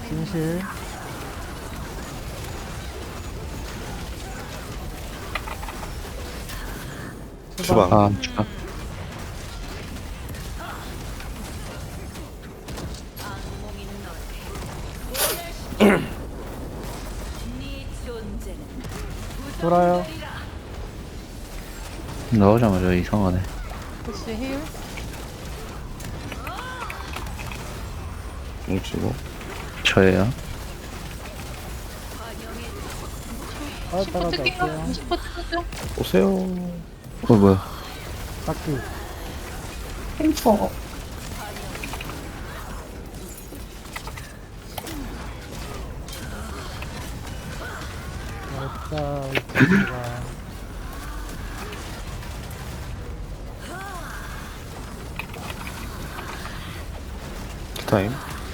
진실. 주방. 아, 주방. 돌아요. 나오자마자 이상하네. 혹시 힐? 뭉치고. 저예요. 따라다가 뜯긴가? 갈게요. 20% 뜯죠? 오세요. 뭐야. 닦기. 템퍼. 됐다. 이쪽으로 타임.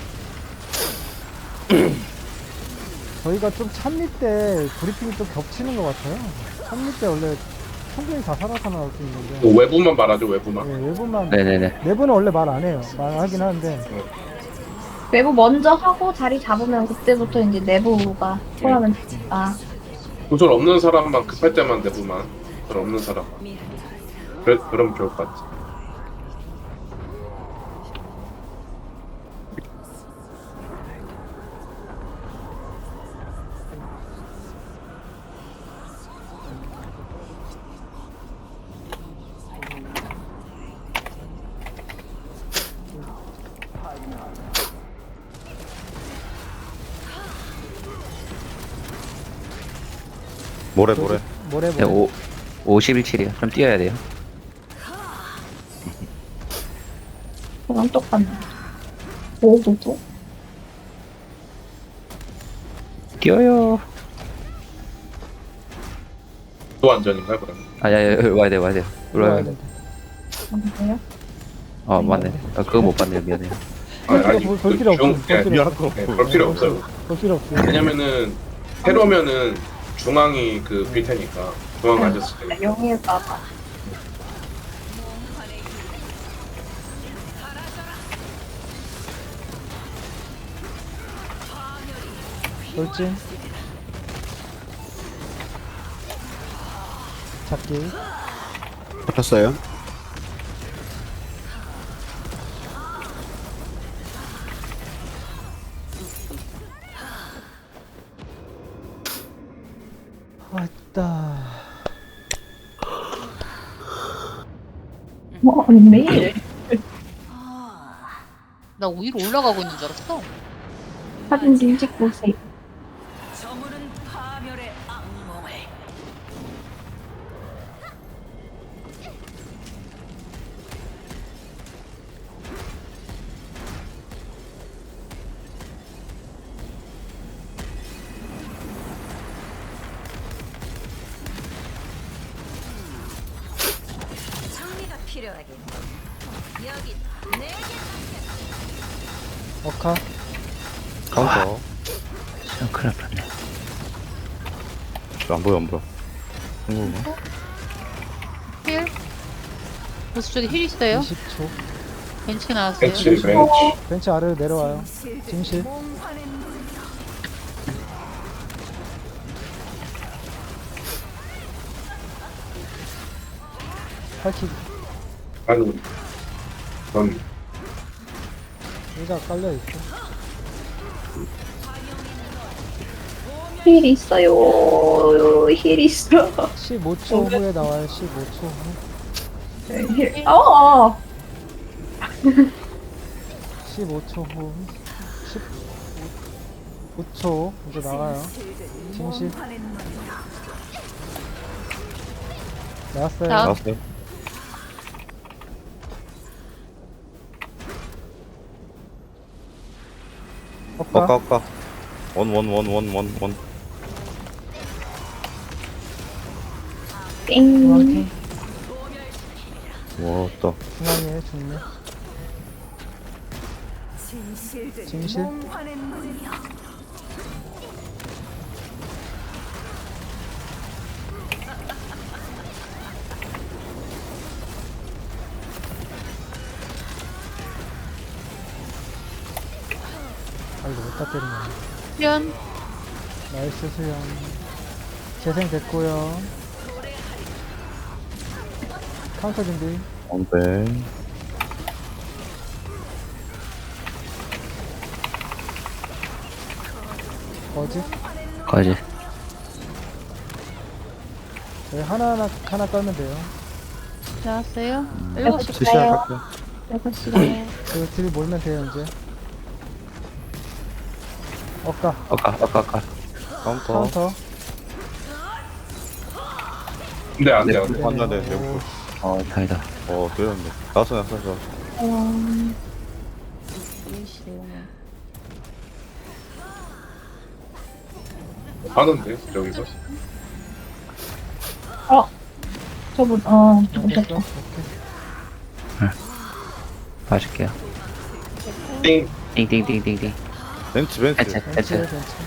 저희가 좀 찬미 때 브리핑이 좀 겹치는 것 같아요. 찬미 때 원래 충분히 다 살아서 나올 수 있는데. 뭐 외부만 말하죠, 외부만. 네, 외부만. 네네네. 내부는 원래 말 안 해요. 말하긴 하는데. 외부 먼저 하고 자리 잡으면 그때부터 이제 내부가 통하면 되니까. 구설 없는 사람만 급할 때만 내부만. 구설 없는 사람만. 그러면 좋을 것 같지. 모래. 모래 네, 51킬이요. 좀 뛰어야 돼요. 그건 똑같네. 오도도? 뛰어요. 또 안전인가요, 그러면? 아야, 와야 돼, 와야 돼. 올라야 돼. 뭔데요? 아, 맞네. 아, 그거 못 봤네요. 미안해요. 볼 필요 없어. 볼 필요 미안할 없어. 거 없고. 볼 필요 없어요. 볼 필요 없어. 왜냐면은 테러면은 중앙이 그 빌 테니까 중앙 앉았을 때. 영일까봐. 돌진. 잡기. 잡혔어요. 왔다. 아니, 매일. 나 위로 올라가고 있는 줄 알았어. 사진 좀 찍고 오세요. 어카. 카운터. 진짜 큰일 날 뻔네. 안 보여. 한국어. 힐? 보스 쪽에 힐 있어요? 20초. 벤치 나왔어요. 벤치, 벤치. 벤치 아래로 내려와요. 진실. 팔킥. 아니, 전 의자 깔려있어. 힐 있어요. 힐 있어. 15초 후에 나와요. 15초 후. 힐. 어. 15초 후. 15초. 이제 나가요. 진실. 나왔어요. 자. 나왔어요. 어까. 엇가. 원. 땡. 중앙팀. 와, 또. 중앙에 중매. 진실. 이거 못다 때리네. 수연. 나이스 수영. 재생 됐고요. 카운터 준비. 원배. 거지. 거지. 저희 하나 깔면 돼요. 나왔어요. 음. 7시. 스시야 할게요. 6시가요. 딜 몰면 돼요 이제. 엇가. 아까. 카운터. 카운터. 근데 안 돼, 네, 안 돼. 만나 돼. 오, 다행이다. 되었네. 나왔어. 하는데, 저기서. 저분, 됐어? 오셨다. 오케이. 봐줄게요. 띵. 띵띵띵띵띵. 벤츠. 해체. 벤츠.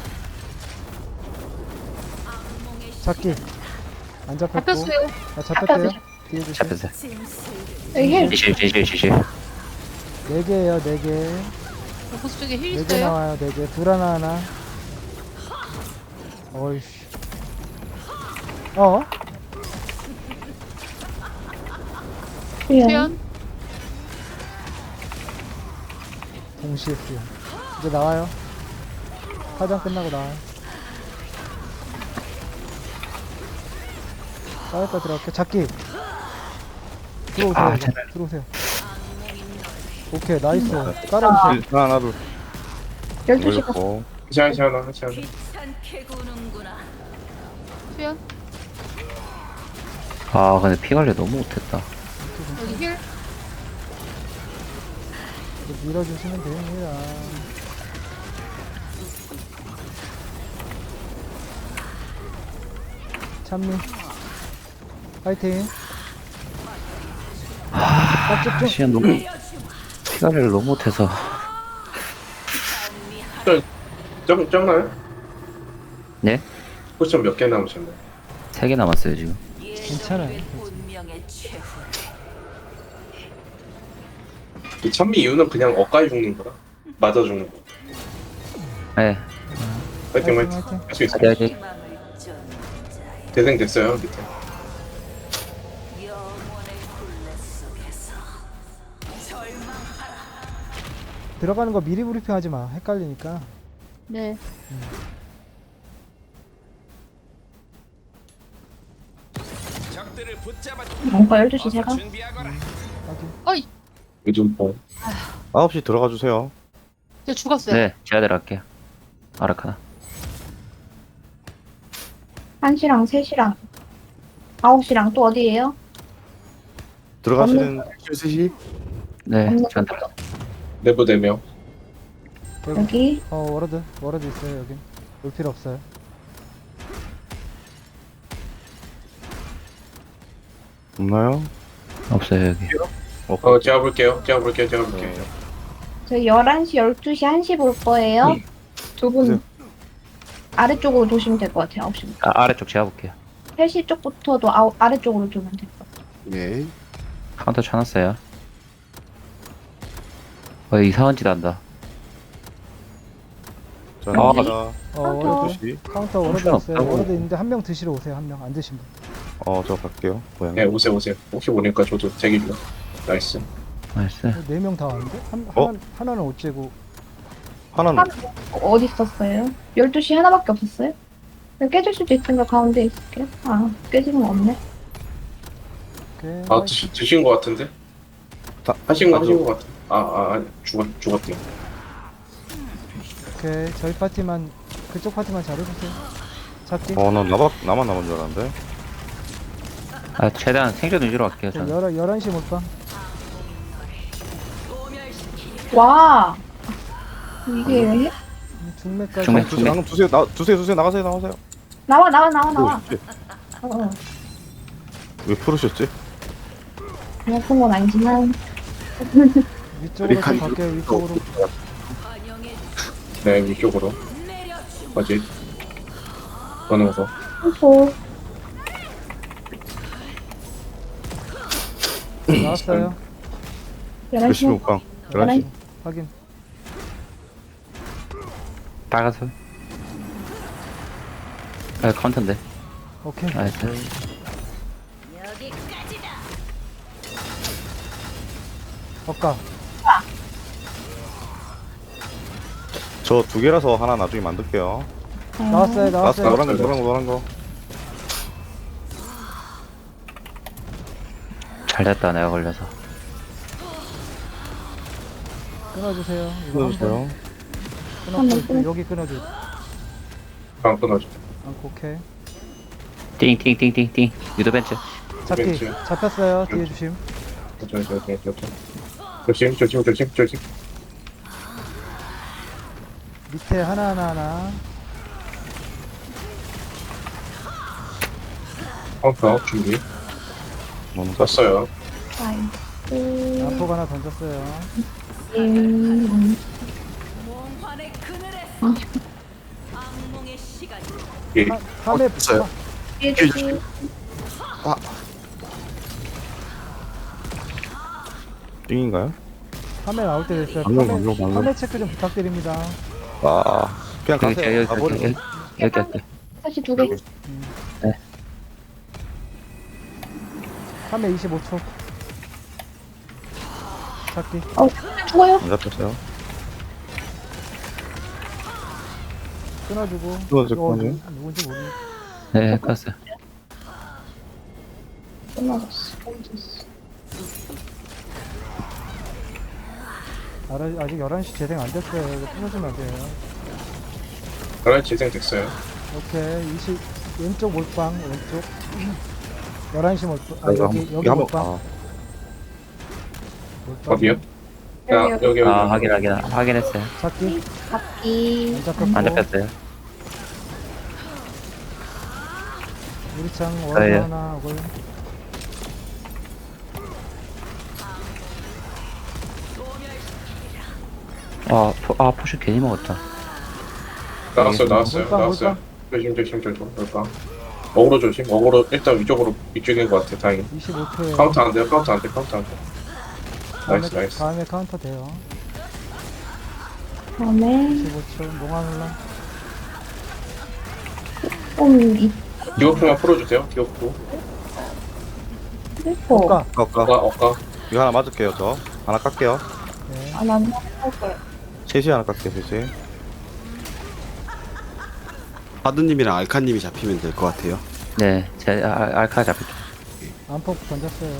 잡기. 안 잡혔고. 잡혔어요. 아, 잡혔대요. 잡혔어요. 뒤에 주세요. 잡혔어요. 여기 힐. 지실. 4개에요, 4개. 보스 쪽에 힐 4개 있어요. 나와요, 4개. 둘 하나. 어이씨. 수연. 수연. 동시에 쓰요. 이제 나와요. 화장 끝나고 나와요. 싸울까 들어갈게. 잡기. 들어오세요. 아, 이제. 제발. 들어오세요. 오케이, 나이스. 깔아주세요. 하나 둘. 12시가. 올렸고. 괜찮아. 수연. 근데 피 관리 너무 못했다. 여기 힐. 이제 밀어주시면 됩니다. 찬미. 파이팅. 깍집중. 시간 너무 피 관리를 너무 못해서. 적나요? 네? 포션 몇 개 남으셨나요? 3개 남았어요 지금. 괜찮아요. 이 찬미 이유는 그냥 엇가에 죽는 거라. 맞아 죽는 거. 네. 파이팅. 화이팅. 할 수 있어. 화이팅. 대생 됐어요, 밑에. 들어가는 거 미리 브리핑하지 마. 헷갈리니까. 네. 뭔가 12시 제가. 확인. 어이. 요즘 뭐. 9시 들어가 주세요. 저 죽었어요. 네, 제가 들어갈게요. 아라카나. 1시랑 3시랑 9시랑 또 어디에요? 들어가시는 3시. 네, 없는 제가 거. 들어. 내부 4명. 여기. 워러드 있어요, 여긴. 올 필요 없어요. 없나요? 없어요 여기. 제가 볼게요. 저희 11시, 12시, 1시 볼 거예요. 두 분 보세요. 아래쪽으로 도시면 될 것 같아요. 9시. 아래쪽 제가 볼게요. 3시 쪽부터도 아래쪽으로 두면 될 것 같아요. 네. 카운터 쳐놨어요. 이상한 짓 한다. 자, 아, 가자. 워러드. 2시. 카운터 워러드 정신 있어요. 없다고. 워러드 있는데 한 명 드시러 오세요, 한 명. 안 드신 분. 저 갈게요. 고양이. 네, 오세요. 혹시 모르니까 저도 대기 중. 나이스. 나이스. 4명 다 왔는데? 어? 하나는 어째고. 하나는 어디 있었어요? 12시 하나밖에 없었어요? 깨질 수도 있으니까 가운데 있을게요. 깨지는 거 없네. 오케이. 드신 거 같은데? 하신 거 같아. 아니, 죽었대요. 오케이. 저희 파티만, 그쪽 파티만 잘해주세요. 잡기. 난 나만 남은 줄 알았는데. 최대한 생존 위주로 갈게요. 자, 저는. 11시 몰빵. 와! 이게 중매까지. 중매. 방금 두세요. 두세요. 나가세요. 나와. 오, 어, 왜 풀으셨지? 아픈 건 아니지만 위쪽으로 좀 갈게요, 위쪽으로. 네, 위쪽으로. 뭐지? 거는 거. 소 나왔어요. 10시 11시 먹방. 11시. 확인. 빨간색. 아, 카운터인데. 오케이. 나이스. 엇가. 저 두 개라서 하나 나중에 만들게요. 나왔어요, 나왔어, 나왔어요. 노란 거, 노란 거, 노란 거. 잘 됐다, 내가 걸려서. 끊어주세요. 이거 한 끊어주세요. 번 끊었고, 여기 끊어줘. 안 끊어줘. 않고, 오케이. 띵띵띵띵띵. 유도벤츠. 잡기. 왼쪽. 잡혔어요. 뒤에 주심. 조심. 밑에 하나. 카운터 준비. 너무 떴어요. 나이스. 안폭 하나 던졌어요. 예. 함에 됐어요. 뒤에 주시. 띵인가요? 함에 나올 때 됐어요. 방금. 함에 체크 좀 부탁드립니다. 아, 그냥 여기, 가세요. 여기, 가버리고. 여기. 다시 2개. 함에 25초. 잡기. 죽어요. 안 잡혔어요. 끊어주고. 끊어줘, 이거 끊어줘. 누군지 모르. 네, 껐어요. 끝나졌어. 아직 11시 재생 안 됐어요. 이거 끊어주면 안 돼요. 11시 재생됐어요. 오케이. 왼쪽 몰빵, 왼쪽. 11시 몰빵. 아, 이거 여기 한번, 몰빵. 아, 몰빵. 어디요? 야, 여기. 아, 확인했어요. 잡기. 잡기. 안 잡혔고. 안 잡혔어요. 유리창 저예요. 월 하나 오글. 포션 괜히 먹었다. 나왔어요. 몰빵. 조심. 몰빵. 어그로 조심. 어그로 일단 위쪽인 것 같아. 다행히. 25초에. 카운터 안 돼요. 나이스. 다음에 카운터 돼요. 다음에 25초. 몽환 혼란. 이 디오프만 풀어주세요. 디오프. 슬퍼. 엇가. 어까. 이거 하나 맞을게요, 저. 하나 깎게요. 네. 난 할 거예요. 셋이 하나 깎게요, 셋이. 바드님이랑 알카님이 잡히면 될 것 같아요. 네, 제 알카 잡힐게요. 안폭 던졌어요.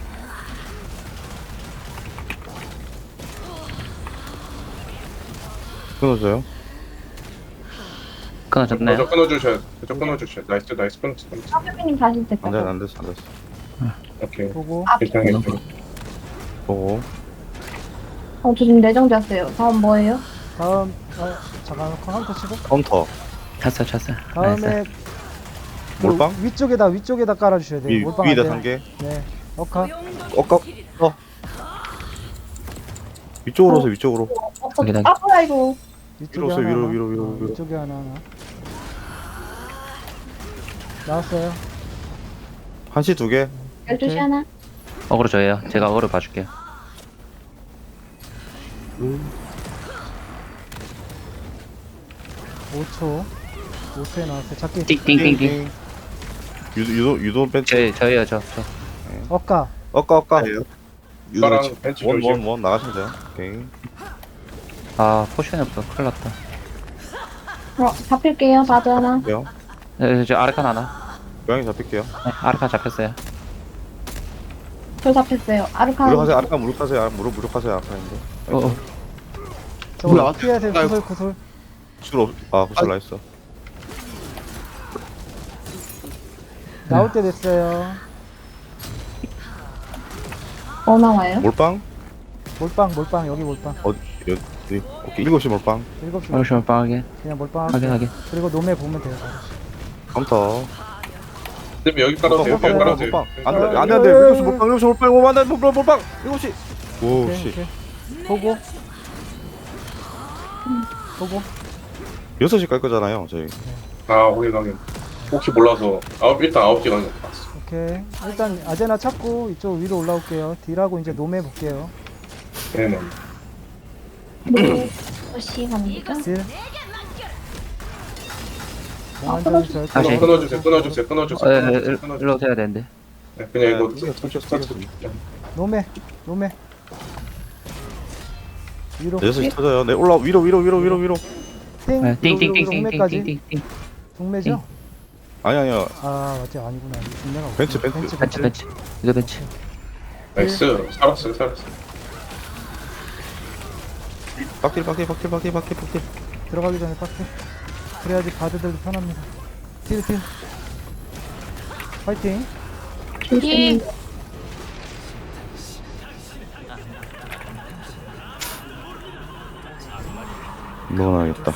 끊어줘요. 끊어졌네요. 저 끊어주셔야. 나이스. 끊었어. 사부님 다시 됐다. 안 됐어. 오케이. 보고. 괜찮아요. 보고. 저 지금 내정됐어요. 다음 뭐예요? 다음, 잠깐만, 카운터 치고. 카운터. 찼어요. 다음에. 나이스. 몰빵? 위쪽에다 깔아주셔야 돼요. 몰빵 안 위에다 돼요. 3개. 네. 엇가. 위쪽으로 오세요, 위쪽으로. 여기다. 뭐야 이거. 위쪽에 위로 오세요, 하나. 위로. 위쪽에 하나. 나왔어요. 1시 2개. 12시 하나. 어그로 저예요. 제가 어그로 봐줄게요. 5초에 나왔어요. 잡기. 띵띵띵띵. 유도 벤치. 저예요. 엇가. 엇가. 오빠랑 벤치 조심. 원 나가시면 돼요. 오케이. 포션이 없어. 큰일 났다. 잡힐게요. 바드 하나. 돼요. 네, 저 아르칸 하나. 고양이 잡힐게요. 네, 아르칸 잡혔어요. 저 잡혔어요. 아르카. 무력하세요. 아까 무력하세요. 무력하세요. 아까인데. 저거 뭐야? 피하세요. 아이고. 구슬. 구슬 나이스. 나올 때 됐어요. 뭐 나와요? 몰빵? 몰빵. 여기 몰빵. 여기. 오케이. 7시 몰빵. 7시 포션 빵하게. 그냥 몰빵. 확인하게. 그리고 노메 보면 돼요. 바로. 컴퓨터. 근데 여기 깔아주세요. 여기 깔아주세요. 몰빵. 안 돼. 7시 몰빵. 7시 몰빵. 오만 돼. 몰빵. 7시. 오, 오케이, 씨. 오케이. 보고. 6시 깔 거잖아요, 저희. 확인. 혹시 몰라서 일단 9시 가는 거 봤어. 오케이. 일단 아제나 찾고 이쪽 위로 올라올게요. 딜하고 이제 노메 볼게요. 네네. 6시 갑니다. 딜. 공안 전설 다시. 끊어주세요. 일로 오셔야 되는데. 네, 그냥 이거 네, 스타트. 노메 위로 6시 터져요. 네, 올라 위로. 띵 띵띵띵띵띵띵띵. 동매죠? 아니요. 아 맞지 아니구나 동매가 벤츠. 벤츠. 이거 벤츠. 나이스. 살았어요. 박딜. 들어가기 전에 빡세 그래야지 바드들도 편합니다 딜 파이팅 조심. 넣어놔야겠다.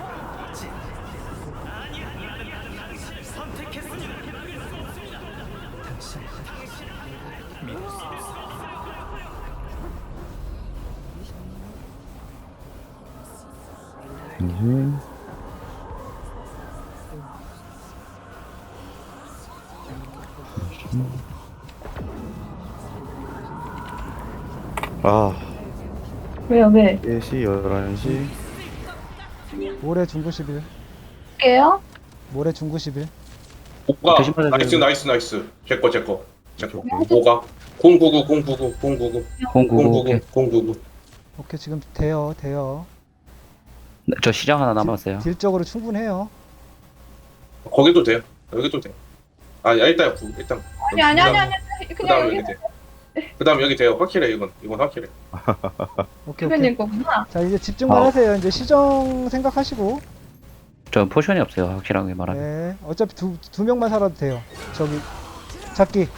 아, 왜요, 왜? 4시, 11시. 모레 중구 10일 게요? 모레 중구 10일 오가 조심하세요. 나이스. 제거. 오가 099. 099. 오케이 지금 돼요 네, 저 시장 하나 남았어요. 딜적으로 충분해요 거기도 돼요. 여기도 돼. 일단 아니. 그다음 그냥 여기 여기 돼. 그다음 여기 돼요. 확실해 이건 확실해. 오케이 대표님 거구나. 자 이제 집중만 하세요 이제 시정 생각하시고 저 포션이 없어요. 확실하게 말하면. 네 어차피 두 명만 살아도 돼요 저기 잡기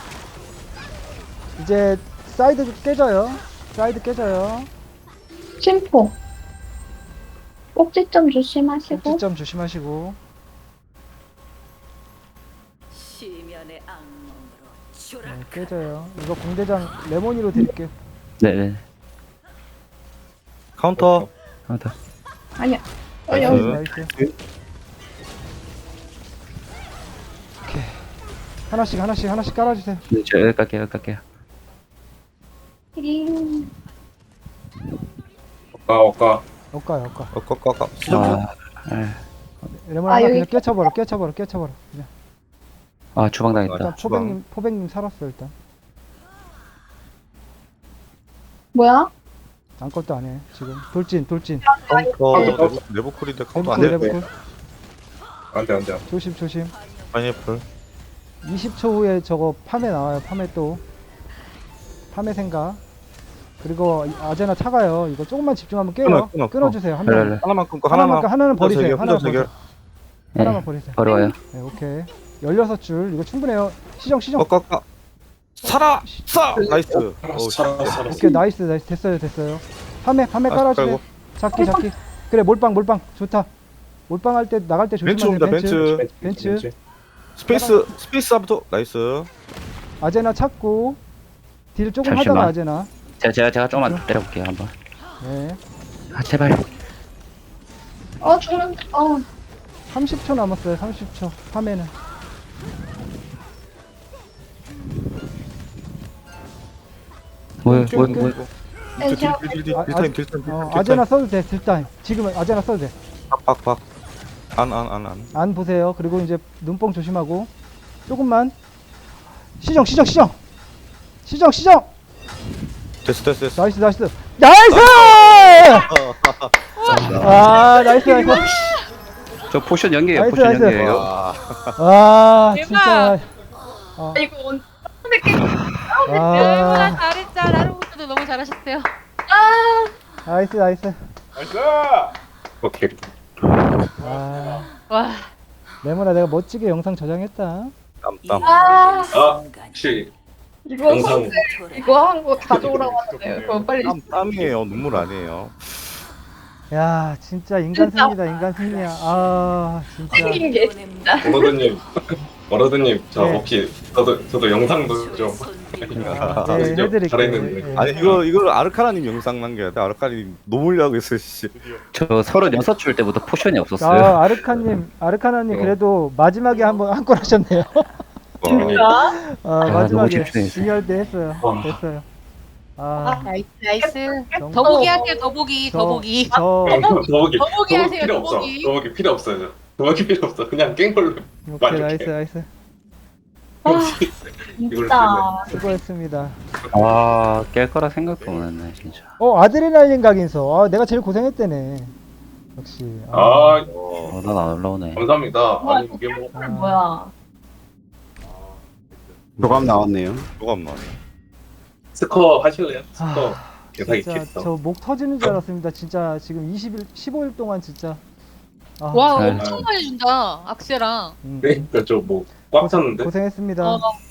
이제 사이드 깨져요 심포. 꼭지점 조심하시고. 꼭지점 조심하시고 시면의 악몽으로 네, 깨져요 이거 공대장 레모니로 드릴게요 네네. 카운터. 하나 아니야. 나이스. 여기. 나이스 오케이 하나씩 깔아주세요 네, 저 여기 갈게요. 오가 엇가요 꺾. 시정. 네. 레몬 아, 하나 여기 그냥 깨쳐버려 그냥 주방 당했다. 일단 주방. 포백님 살았어 일단 뭐야? 아무것도 안해 지금 돌진 카운터. 내부 쿨인데 카운터 안 돼. 레브쿨 안돼. 조심 파인애플. 20초 후에 저거 파메 나와요 파메 생각 그리고 아제나 차가요 이거 조금만 집중하면 깨요 끊어. 끊어주세요 한 그래. 명 하나만 끊고 하나는 버리세요 혼자 해결. 하나만 버리세요 버려요. 네 오케이 16줄 이거 충분해요 시정 꺾. 살아. 나이스. 살았어. 오케이 나이스 됐어요 파메 깔아주세요 잡기 그래 몰빵 좋다 몰빵 할 때 나갈 때 벤츠 조심하세요 옵니다. 벤츠 스페이스부터 나이스. 아제나 찾고 딜 조금 잠시만. 하다가 아제나 제가 조금만 때려볼게요 한번. 네 제발. 죽는. 30초 남았어요 30초 파메는 뭐야. 네, 제가 딜타임. 아제나 써도 돼 딜타임 지금은 아제나 써도 돼 박. 안. 안 보세요. 그리고 이제 눈뽕 조심하고 조금만 시정. 됐어. 나이스. 아 나이스. 저 포션 연계예요. 나이스, 포션 나이스. 연계예요. 아 진짜. 이거 언제 아 잘했자. 나루부터도 너무 잘하셨어요. 나이스. 오케이. 아 와. 레몬아 내가 멋지게 영상 저장했다. 땀. 혹시 이거 영상 이거 한 거 가져오라고 하는데 그거 빨리. 땀이에요. 눈물 아니에요. 야 진짜 인간 승리야. 아 진짜. 생긴 게 진짜. 워러드님 저 네. 혹시 저도 영상도 좀 네, 진짜 해드릴게요. 잘했는데. 네. 아니 이걸 아르카나님 영상 남겨야 돼. 아르카나님 노물려고 했어요. 씨. 저 36줄 때부터 포션이 없었어요. 아 아르카나님 그래도 마지막에 한 건 하셨네요. 너무 마지막에 집중했어요. 중요할 때 했어요. 와. 됐어요. 나이스. 정말 더보기 할게요. 더보기. 저 더보기 더보기 하세요, 필요 없어. 더보기. 더보기 필요 없어요. 도망칠 필요 없어. 그냥 깬 걸로. 오케이, 만족해. 나이스. 이걸 진짜. 수고했습니다. 아, 깰 거라 생각도 못했네, 진짜. 아드레날린 각인서. 내가 제일 고생했대네. 역시. 아, 난 안 올라오네. 감사합니다. 아니 이게 뭐 뭐야. 교감 나왔네요. 잠깐만. 스커 하실래요? 스커 계산이 진짜 칩서. 저 목 터지는 줄 알았습니다. 진짜 지금 15일 동안 진짜. 와 잘- 엄청 많이 준다. 악세랑. 음, 그러니까 저 뭐 꽉 찼는데. 고생했습니다. 어,